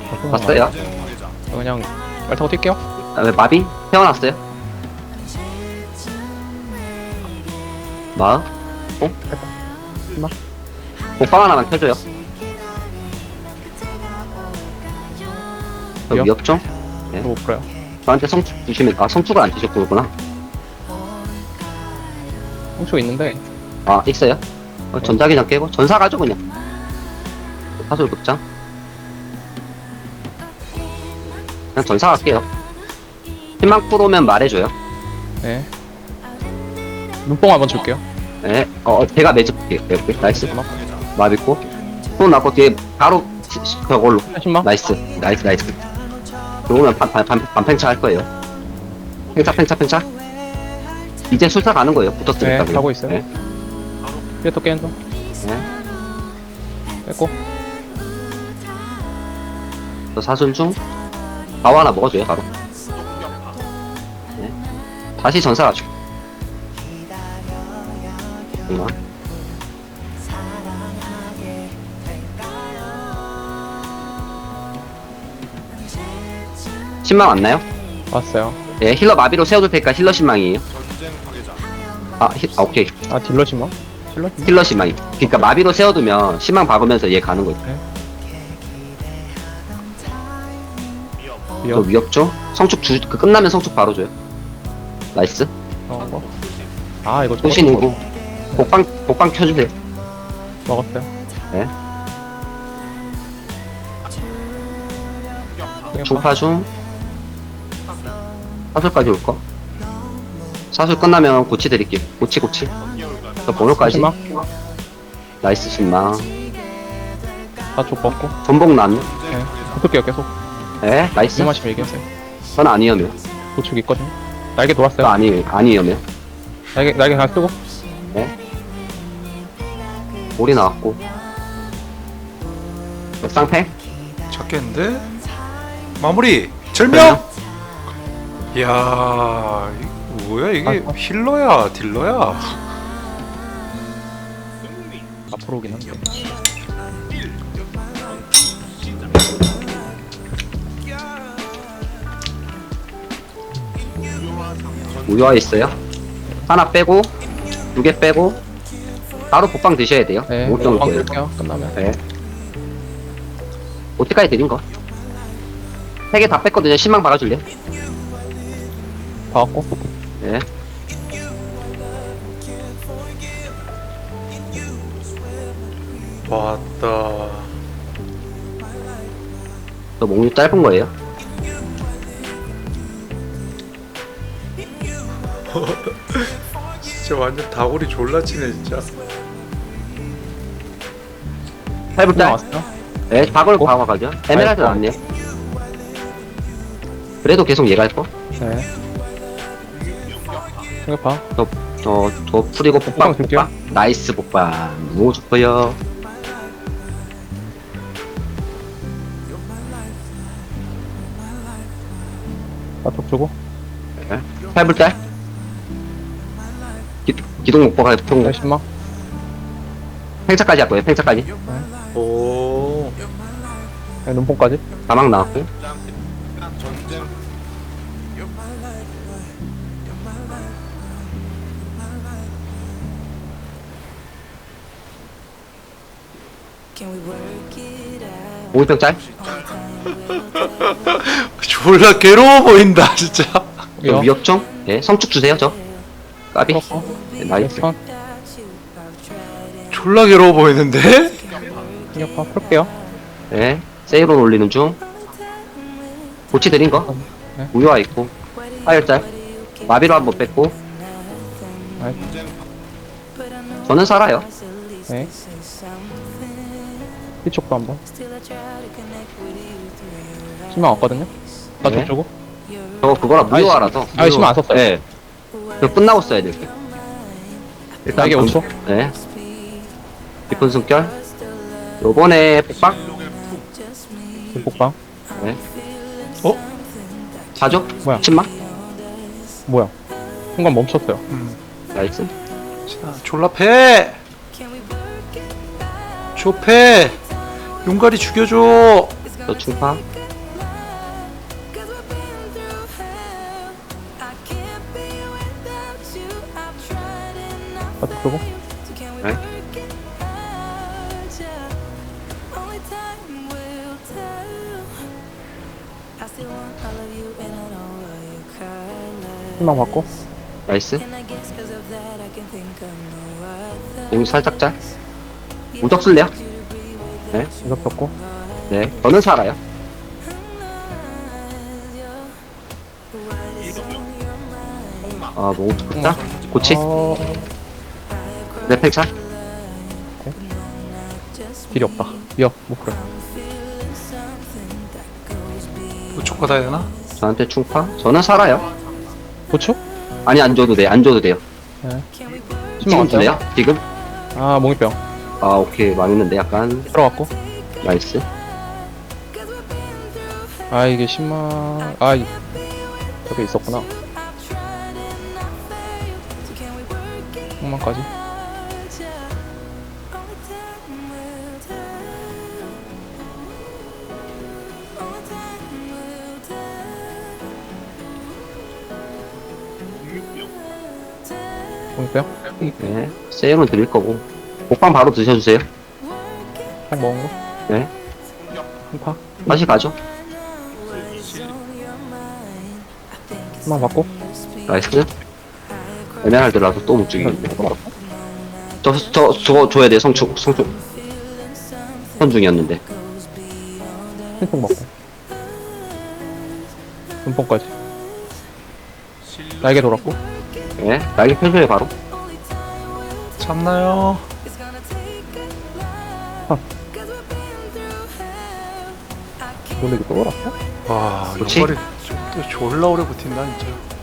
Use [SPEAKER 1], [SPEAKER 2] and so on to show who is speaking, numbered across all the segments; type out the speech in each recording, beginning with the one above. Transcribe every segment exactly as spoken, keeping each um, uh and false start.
[SPEAKER 1] 봤어요?
[SPEAKER 2] 그냥 말 타고 뛸게요.
[SPEAKER 1] 아, 왜 마비? 태어났어요? 마음? 어?
[SPEAKER 2] 마.
[SPEAKER 1] 복방 하나만 켜줘요. 저
[SPEAKER 2] 위협?
[SPEAKER 1] 위협 좀?
[SPEAKER 2] 못 풀어요.
[SPEAKER 1] 저한테 성축 주시면, 아, 성축을 안 주셨고, 그구나.
[SPEAKER 2] 홍초 있는데
[SPEAKER 1] 아, 있어요? 어, 전자기장 깨고, 전사 가죠, 그냥. 사솔 극장. 그냥 전사 갈게요. 희망 프로면 말해줘요.
[SPEAKER 2] 네. 눈뽕 한번 줄게요.
[SPEAKER 1] 네, 어, 어, 제가 매집할게요. 이렇게. 나이스.
[SPEAKER 2] 잠깐만.
[SPEAKER 1] 마비고. 또 나고 뒤에 바로, 시- 시- 그걸로.
[SPEAKER 2] 십만.
[SPEAKER 1] 나이스, 나이스, 나이스. 그러면 반, 반, 반, 반팽차 할 거예요. 팽차, 팽차, 팽차. 이제 술사 가는 거예요. 붙었으니까.
[SPEAKER 2] 네, 가고 있어요.
[SPEAKER 1] 네.
[SPEAKER 2] 뒤에 또 깨는 중.
[SPEAKER 1] 네.
[SPEAKER 2] 뺐고.
[SPEAKER 1] 저 사슬 중. 바오 하나 먹어줘요, 바로. 네. 다시 전사 가죠. 잠깐만. 신망 왔나요?
[SPEAKER 2] 왔어요.
[SPEAKER 1] 예, 힐러 마비로 세워둘 테니까 힐러 신망이에요. 아, 힐, 아 오케이.
[SPEAKER 2] 아 딜러 신망? 딜러 신망?
[SPEAKER 1] 힐러 신망이. 그니까 마비로 세워두면 신망 박으면서 얘 가는 거죠. 또
[SPEAKER 2] 위협.
[SPEAKER 1] 위협죠? 성축 주, 그 끝나면 성축 바로 줘요. 나이스.
[SPEAKER 2] 어, 뭐. 아 이거
[SPEAKER 1] 소신이고. 복방, 복방 켜주세요.
[SPEAKER 2] 먹었어요.
[SPEAKER 1] 네.
[SPEAKER 2] 그냥
[SPEAKER 1] 중파 중. 사술까지 올 거. 사술 끝나면 고치 드릴게요. 고치, 고치. 저 번호까지.
[SPEAKER 2] 신망.
[SPEAKER 1] 나이스 신망.
[SPEAKER 2] 다쪽 먹고.
[SPEAKER 1] 전복 난.
[SPEAKER 2] 네. 붙을게요 계속.
[SPEAKER 1] 네, 나이스.
[SPEAKER 2] 이마시면 얘기하세요.
[SPEAKER 1] 전 아니에요.
[SPEAKER 2] 도축 있거든요. 날개
[SPEAKER 1] 저
[SPEAKER 2] 돌았어요.
[SPEAKER 1] 아니에요. 아니에요.
[SPEAKER 2] 날개 날개 다 쓰고.
[SPEAKER 1] 네. 올이 나왔고. 쌍패?
[SPEAKER 3] 잡겠는데? 마무리! 절명! 이야, 이게 뭐야 이게
[SPEAKER 2] 아, 아.
[SPEAKER 3] 힐러야 딜러야?
[SPEAKER 2] 앞으로 오긴 한데.
[SPEAKER 1] 우유화 있어요. 하나 빼고, 두 개 빼고, 바로 복방 드셔야 돼요.
[SPEAKER 2] 네.
[SPEAKER 1] 오 정도
[SPEAKER 2] 방
[SPEAKER 1] 거예요.
[SPEAKER 2] 끌게요. 끝나면.
[SPEAKER 1] 네. 어디까지 드린 거? 세 개 다 뺐거든요. 신망 박아줄래요?
[SPEAKER 2] 봐갖고.
[SPEAKER 1] 네.
[SPEAKER 3] 왔다.
[SPEAKER 1] 저 목류 짧은 거예요.
[SPEAKER 3] 진짜 완전 다구리 졸라 치네 진짜.
[SPEAKER 1] 팔불 딸.
[SPEAKER 2] 나왔어요.
[SPEAKER 1] 네, 박을
[SPEAKER 2] 어?
[SPEAKER 1] 박아가죠. 에메랄드
[SPEAKER 2] 아이고.
[SPEAKER 1] 나왔네요. 그래도 계속 얘가 할 거.
[SPEAKER 2] 네. 이거 봐.
[SPEAKER 1] 저, 저 풀이고 복방,
[SPEAKER 2] 복방 줄게요.
[SPEAKER 1] 복방. 나이스 복방. 너무 좋고요.
[SPEAKER 2] 다쪽 주고.
[SPEAKER 1] 네. 팔불 딸. 기, 기동 목보가 통
[SPEAKER 2] 네, 신망.
[SPEAKER 1] 팽차까지 할 거예요. 팽차까지.
[SPEAKER 3] 오.
[SPEAKER 2] 네, 눈뽕까지.
[SPEAKER 1] 사막 나왔고. 오일병 짤.
[SPEAKER 3] 졸라 괴로워 보인다 진짜.
[SPEAKER 2] 위협.
[SPEAKER 1] 위협 좀. 예, 성축 주세요, 저. 까비.
[SPEAKER 2] 풀었고.
[SPEAKER 1] 네, 나이스.
[SPEAKER 2] 선.
[SPEAKER 3] 졸라 괴로워 보이는데?
[SPEAKER 2] 충격파 풀게요.
[SPEAKER 1] 예, 세이론 올리는 중. 고치 드린 거.
[SPEAKER 2] 네.
[SPEAKER 1] 우유화 있고. 파열 짤. 마비로 한번 뺐고.
[SPEAKER 2] 아이,
[SPEAKER 1] 저는 살아요.
[SPEAKER 2] 네. 뒤쪽도 한번. 신망 왔거든요. 다쪽
[SPEAKER 1] 네.
[SPEAKER 2] 주고.
[SPEAKER 1] 저거 그거라 무효화라서.
[SPEAKER 2] 아니, 신경 안 썼어요.
[SPEAKER 1] 예. 그 끝나고 써야 될 때.
[SPEAKER 2] 날개 오 초.
[SPEAKER 1] 네. 깊은 숨결. 요번에 폭박.
[SPEAKER 2] 복방.
[SPEAKER 1] 네.
[SPEAKER 3] 어?
[SPEAKER 1] 사죠?
[SPEAKER 2] 뭐야?
[SPEAKER 1] 침막.
[SPEAKER 2] 뭐야? 순간 멈췄어요.
[SPEAKER 3] 음.
[SPEAKER 1] 나이스.
[SPEAKER 3] 자, 졸라 패! 조패! 용가리 죽여줘!
[SPEAKER 1] 저 충파.
[SPEAKER 2] 바트 끄고.
[SPEAKER 1] 네.
[SPEAKER 2] 희망 받고.
[SPEAKER 1] 나이스. 공 살짝 짤. 무적 쓸래요? 네.
[SPEAKER 2] 이거 폈고.
[SPEAKER 1] 네. 저는 살아요. 아, 너무 좋다. 고치.
[SPEAKER 2] 어,
[SPEAKER 1] 네, 팽차.
[SPEAKER 2] 길이 없다. 미역, 못 그래.
[SPEAKER 3] 우측 받아야 되나?
[SPEAKER 1] 저한테 충파. 저는 살아요.
[SPEAKER 2] 고추?
[SPEAKER 1] 아니, 안 줘도 돼. 안 줘도 돼요.
[SPEAKER 2] 네.
[SPEAKER 1] 지금 줄래요? 지금?
[SPEAKER 2] 아, 몽이병.
[SPEAKER 1] 아, 오케이. 망했는데, 약간.
[SPEAKER 2] 들어갔고.
[SPEAKER 1] 나이스.
[SPEAKER 2] 아, 이게 십만. 아, 이- 저게 있었구나. 십만까지. 몽이병?
[SPEAKER 1] 네. 세일은 드릴 거고. 복방 바로 드셔주세요.
[SPEAKER 2] 딱 먹은 거?
[SPEAKER 1] 네.
[SPEAKER 2] 한파?
[SPEAKER 1] 다시 가죠.
[SPEAKER 2] 십만 받고.
[SPEAKER 1] 나이스. 에메랄드라서 또 못 죽이겠네.
[SPEAKER 2] 이거
[SPEAKER 1] 저, 저, 저거 줘야 돼. 성충, 성충. 선중이었는데.
[SPEAKER 2] 핑퐁 먹고. 눈뽕까지. 날개 돌았고.
[SPEAKER 1] 네. 날개 펴줘요, 바로.
[SPEAKER 3] 잡나요?
[SPEAKER 2] 놀래기 또 돌았어?
[SPEAKER 3] 와,
[SPEAKER 1] 그렇지?
[SPEAKER 3] 요거리 또 졸라 오래 버틴다 진짜.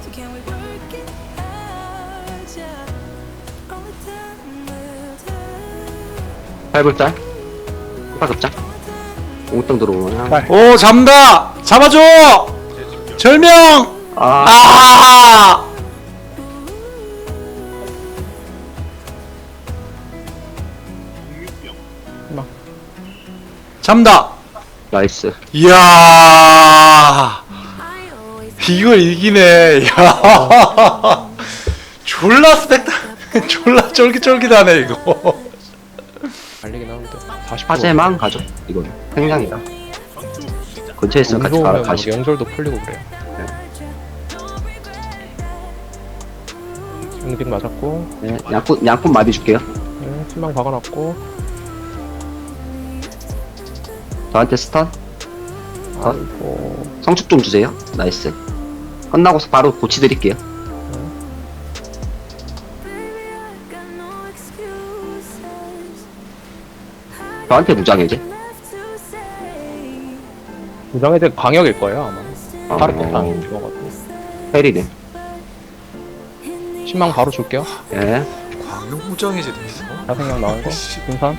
[SPEAKER 1] 팔불짤. 파급장. 옹땅 들어오면.
[SPEAKER 2] 빨.
[SPEAKER 3] 오, 잡는다! 잡아줘! 절명!
[SPEAKER 1] 아,
[SPEAKER 3] 아!
[SPEAKER 2] 희망.
[SPEAKER 3] 잡는다!
[SPEAKER 1] 나이스.
[SPEAKER 3] 이야, 이걸 이기네. 야, 졸라 스펙타, 졸라 쫄깃쫄깃하네 이거.
[SPEAKER 2] 달리긴 하는데. 사십.
[SPEAKER 1] 화재만 가죠. 이건. 생량이다. 근처에 있으면 같이 가, 가시.
[SPEAKER 2] 영절도 풀리고 그래요. 응징 맞았고.
[SPEAKER 1] 네. 양꾼, 양꾼 마비 줄게요.
[SPEAKER 2] 네, 신망 박아놨고.
[SPEAKER 1] 저한테 스턴.
[SPEAKER 2] 아이고.
[SPEAKER 1] 성축 좀 주세요. 나이스. 끝나고서 바로 고치 드릴게요. 저한테 무장해 이제.
[SPEAKER 2] 무장해제 광역일 거예요 아마.
[SPEAKER 1] 어,
[SPEAKER 2] 파르페안 죽어가지고.
[SPEAKER 1] 페리네.
[SPEAKER 2] 신망 바로 줄게요.
[SPEAKER 1] 예.
[SPEAKER 3] 광역 무장해제도 있어?
[SPEAKER 2] 자생력 나온 거. 분산.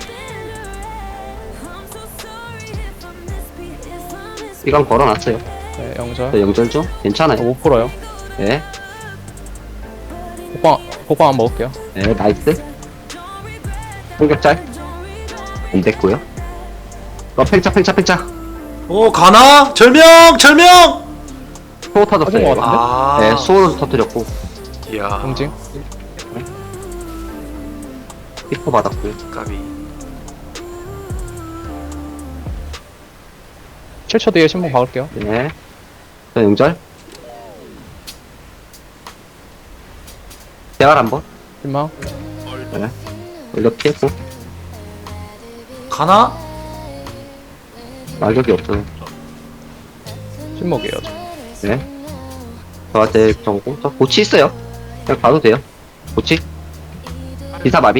[SPEAKER 1] 이건 걸어놨어요.
[SPEAKER 2] 네, 영절.
[SPEAKER 1] 저 영절 좀
[SPEAKER 2] 어,
[SPEAKER 1] 괜찮아요.
[SPEAKER 2] 못 풀어요.
[SPEAKER 1] 예.
[SPEAKER 2] 복방, 복방 한번 먹을게요.
[SPEAKER 1] 예, 나이스. 공격짤. 안 됐고요. 어, 팽차, 팽차, 팽차.
[SPEAKER 3] 오, 가나? 절명! 절명!
[SPEAKER 1] 소호 터졌어요.
[SPEAKER 2] 터진 것
[SPEAKER 1] 이거.
[SPEAKER 2] 같은데?
[SPEAKER 3] 아,
[SPEAKER 1] 네, 소호를 터뜨렸고.
[SPEAKER 3] 이야,
[SPEAKER 2] 응징.
[SPEAKER 1] 히포 받았고요.
[SPEAKER 3] 까비.
[SPEAKER 2] 칠 초 뒤에 신망 박을게요.
[SPEAKER 1] 네. 저 영절. 대활 한 번.
[SPEAKER 2] 신망.
[SPEAKER 1] 네. 올려 피했고.
[SPEAKER 3] 가나?
[SPEAKER 1] 말격이 없어요.
[SPEAKER 2] 신먹이에요. 저.
[SPEAKER 1] 네. 저한테 정고. 저 고치 있어요. 그냥 가도 돼요. 고치. 기사 마비.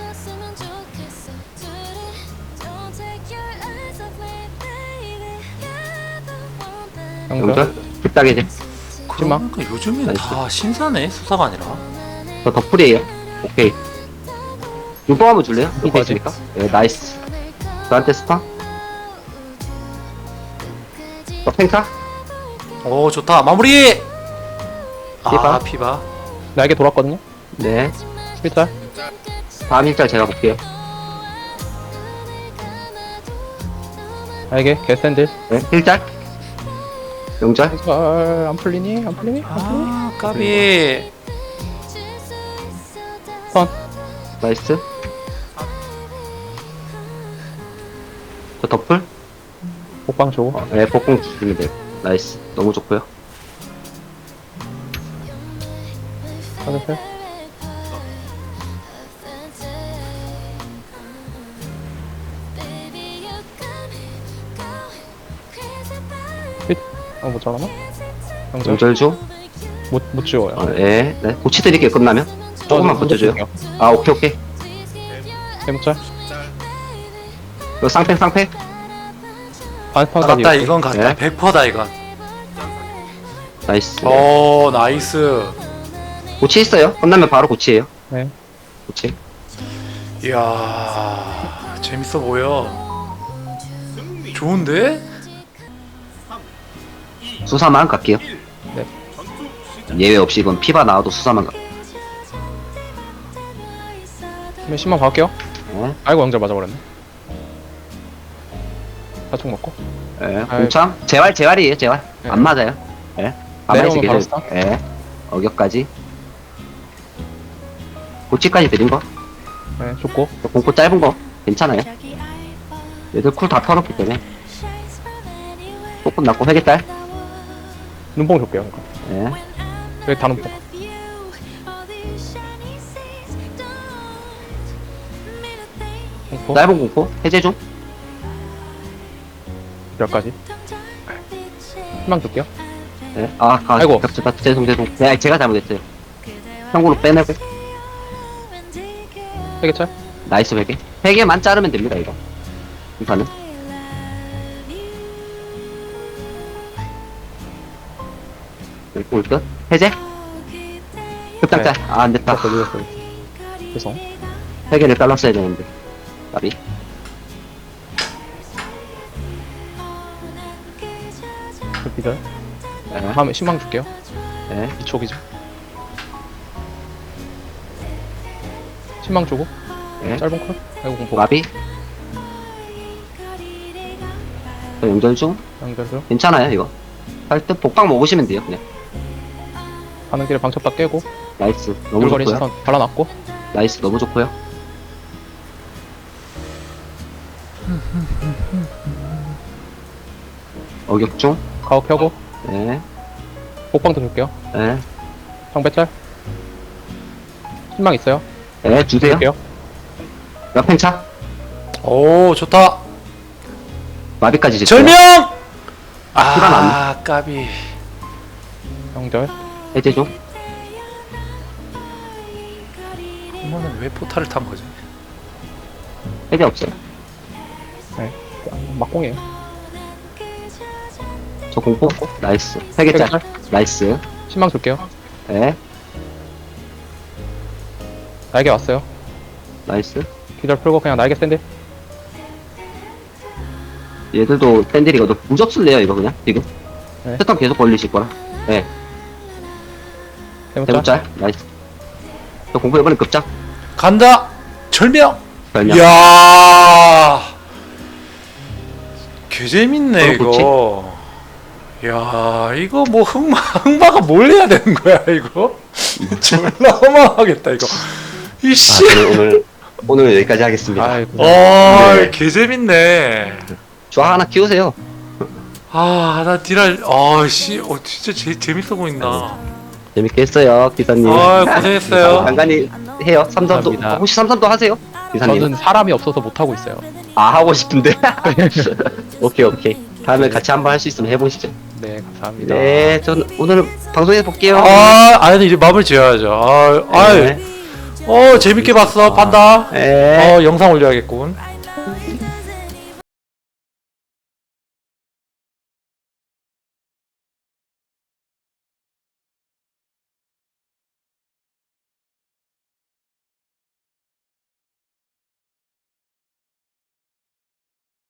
[SPEAKER 2] 영절.
[SPEAKER 1] 영절. 급하게 이제.
[SPEAKER 3] 그러니까 요즘엔
[SPEAKER 1] 나이스.
[SPEAKER 3] 다 신사네, 수사가 아니라.
[SPEAKER 1] 저 덕풀이에요. 오케이. 눈뽕 한번 줄래요? 눈뽕
[SPEAKER 2] 이거지.
[SPEAKER 1] 있으니까? 네, 나이스. 저한테 스타. 저 팽타.
[SPEAKER 3] 오, 좋다. 마무리! 아,
[SPEAKER 1] 피바.
[SPEAKER 3] 피바.
[SPEAKER 2] 날개 돌았거든요.
[SPEAKER 1] 네.
[SPEAKER 2] 십일 짤.
[SPEAKER 1] 다음 일자 제가 볼게요.
[SPEAKER 2] 날개 개샌들.
[SPEAKER 1] 네. 일짤. 영절.
[SPEAKER 2] 잘, 안 풀리니? 안 풀리니? 안 풀리니?
[SPEAKER 3] 아, 까비.
[SPEAKER 2] 선.
[SPEAKER 1] 나이스. 저 덮을?
[SPEAKER 2] 복방 줘.
[SPEAKER 1] 어, 네, 복공 주시면 돼요. 나이스. 너무 좋고요.
[SPEAKER 2] 하늘색. 핏. 아못 잘하나? 영절.
[SPEAKER 1] 영절 중.
[SPEAKER 2] 못못 지워요.
[SPEAKER 1] 어, 예. 네. 고치 드릴게요, 끝나면. 조금만 버텨줘요. 아, 오케이, 오케이.
[SPEAKER 2] 해목짤.
[SPEAKER 1] 이거 쌍팽, 쌍팽.
[SPEAKER 2] 반판까지.
[SPEAKER 3] 갔다 이건 갔다.
[SPEAKER 1] 네.
[SPEAKER 3] 백 퍼센트다 이건.
[SPEAKER 1] 나이스.
[SPEAKER 3] 오 나이스.
[SPEAKER 1] 고치 있어요. 끝나면 바로 고치예요.
[SPEAKER 2] 네.
[SPEAKER 1] 고치.
[SPEAKER 3] 이야 재밌어 보여. 좋은데?
[SPEAKER 1] 수사만 갈게요.
[SPEAKER 2] 네.
[SPEAKER 1] 예외 없이 이건 피바 나와도 수사만 가.
[SPEAKER 2] 그러면 십만 받을게요.
[SPEAKER 1] 네.
[SPEAKER 2] 아이고 영절 맞아버렸네. 사총 먹고.
[SPEAKER 1] 예. 공참. 재활, 재활이에요, 재활.
[SPEAKER 2] 네.
[SPEAKER 1] 안 맞아요. 예. 가만히
[SPEAKER 2] 내려오면 바로
[SPEAKER 1] 있으게.
[SPEAKER 2] 스탑.
[SPEAKER 1] 예. 어격까지. 고치까지 드린 거.
[SPEAKER 2] 네, 좋고.
[SPEAKER 1] 공고 짧은 거. 괜찮아요. 얘들 쿨 다 털었기 때문에. 조금 났고, 회계딸.
[SPEAKER 2] 눈뽕 줄게요. 그러니까.
[SPEAKER 1] 예.
[SPEAKER 2] 여기 다 눈뽕. 공포.
[SPEAKER 1] 짧은 공포. 해제 중.
[SPEAKER 2] 열까지. 희망 줄게요.
[SPEAKER 1] 예. 아, 가,
[SPEAKER 2] 아이고.
[SPEAKER 1] 겹쳤다. 죄송, 죄송. 네, 제가 잘못했어요. 참고로 빼내고.
[SPEAKER 2] 세개짤.
[SPEAKER 1] 나이스 회계. 회계만 자르면 됩니다, 이거. 이판은. 이렇게 올 끝. 해제. 급장짤.
[SPEAKER 2] 네.
[SPEAKER 1] 아, 안 됐다.
[SPEAKER 2] 딱 걸렸어요. 죄송.
[SPEAKER 1] 회계를 잘랐어야 되는데. 까비.
[SPEAKER 2] 그 비절.
[SPEAKER 1] 예.
[SPEAKER 2] 다음에 신망 줄게요.
[SPEAKER 1] 예.
[SPEAKER 2] 이 촉이죠. 신망 주고.
[SPEAKER 1] 예.
[SPEAKER 2] 짧은 콜. 아이고 공포.
[SPEAKER 1] 까비. 저 연결 중.
[SPEAKER 2] 연결.
[SPEAKER 1] 괜찮아요, 이거. 할 때 복방 먹으시면 돼요, 그냥.
[SPEAKER 2] 가는 길에 방첩 다 깨고.
[SPEAKER 1] 나이스. 너무
[SPEAKER 2] 물거리
[SPEAKER 1] 좋고요.
[SPEAKER 2] 시선 발라놨고.
[SPEAKER 1] 나이스. 너무 좋고요. 어격 중.
[SPEAKER 2] 가옥 펴고.
[SPEAKER 1] 예.
[SPEAKER 2] 복방도 줄게요.
[SPEAKER 1] 예.
[SPEAKER 2] 상배짤. 신망 있어요.
[SPEAKER 1] 예, 주세요.
[SPEAKER 2] 줄게요.
[SPEAKER 1] 옆행 차.
[SPEAKER 3] 오 좋다.
[SPEAKER 1] 마비까지 짓어요.
[SPEAKER 3] 절명.
[SPEAKER 1] 피가
[SPEAKER 3] 아 까비.
[SPEAKER 2] 연결.
[SPEAKER 1] 해제 중.
[SPEAKER 3] 이거는 왜 포탈을 탄 거지?
[SPEAKER 1] 해제 없어요.
[SPEAKER 2] 막공이에요.
[SPEAKER 1] 저 공포. 나이스. 회계짤.
[SPEAKER 2] 세개짤.
[SPEAKER 1] 나이스.
[SPEAKER 2] 신망 줄게요.
[SPEAKER 1] 예.
[SPEAKER 2] 날개 왔어요.
[SPEAKER 1] 나이스.
[SPEAKER 2] 기절 풀고 그냥 날개 샌들.
[SPEAKER 1] 얘들도 팬들이거든. 무적 쓸래요, 이거 그냥, 지금.
[SPEAKER 2] 네.
[SPEAKER 1] 패턴 계속 걸리실 거라. 예.
[SPEAKER 2] 대문짤.
[SPEAKER 1] 대문짤. 나이스. 저 공포 이번엔 급장.
[SPEAKER 3] 간다. 절명.
[SPEAKER 1] 별명.
[SPEAKER 3] 이야. 개 재밌네
[SPEAKER 1] 어, 그치?
[SPEAKER 3] 이거. 야 이거 뭐 흑마 흑마가 뭘 해야 되는 거야 이거? 졸라 허망하겠다 이거. 이씨.
[SPEAKER 1] 아, 저는 오늘, 오늘 여기까지 하겠습니다.
[SPEAKER 2] 아이고.
[SPEAKER 3] 아,
[SPEAKER 1] 네.
[SPEAKER 3] 개 재밌네.
[SPEAKER 1] 저 하나 키우세요.
[SPEAKER 3] 아, 나 디랄, 아, 씨, 어, 진짜 제, 재밌어 보인다.
[SPEAKER 1] 재밌게 했어요, 기사님.
[SPEAKER 3] 아, 고생했어요.
[SPEAKER 1] 간간히 해요. 삼삼도.
[SPEAKER 2] 감사합니다.
[SPEAKER 1] 혹시 삼삼도 하세요? 기사님.
[SPEAKER 2] 저는 사람이 없어서 못하고 있어요.
[SPEAKER 1] 아, 하고 싶은데. 오케이, 오케이. 다음에 같이 한번 할 수 있으면 해보시죠.
[SPEAKER 2] 네, 감사합니다.
[SPEAKER 1] 네, 전 오늘 방송에서 볼게요.
[SPEAKER 3] 아, 아니, 이제 마무리 지어야죠. 아, 아,
[SPEAKER 1] 네.
[SPEAKER 3] 어, 재밌게 봤어, 판다.
[SPEAKER 1] 네.
[SPEAKER 3] 어, 영상 올려야겠군.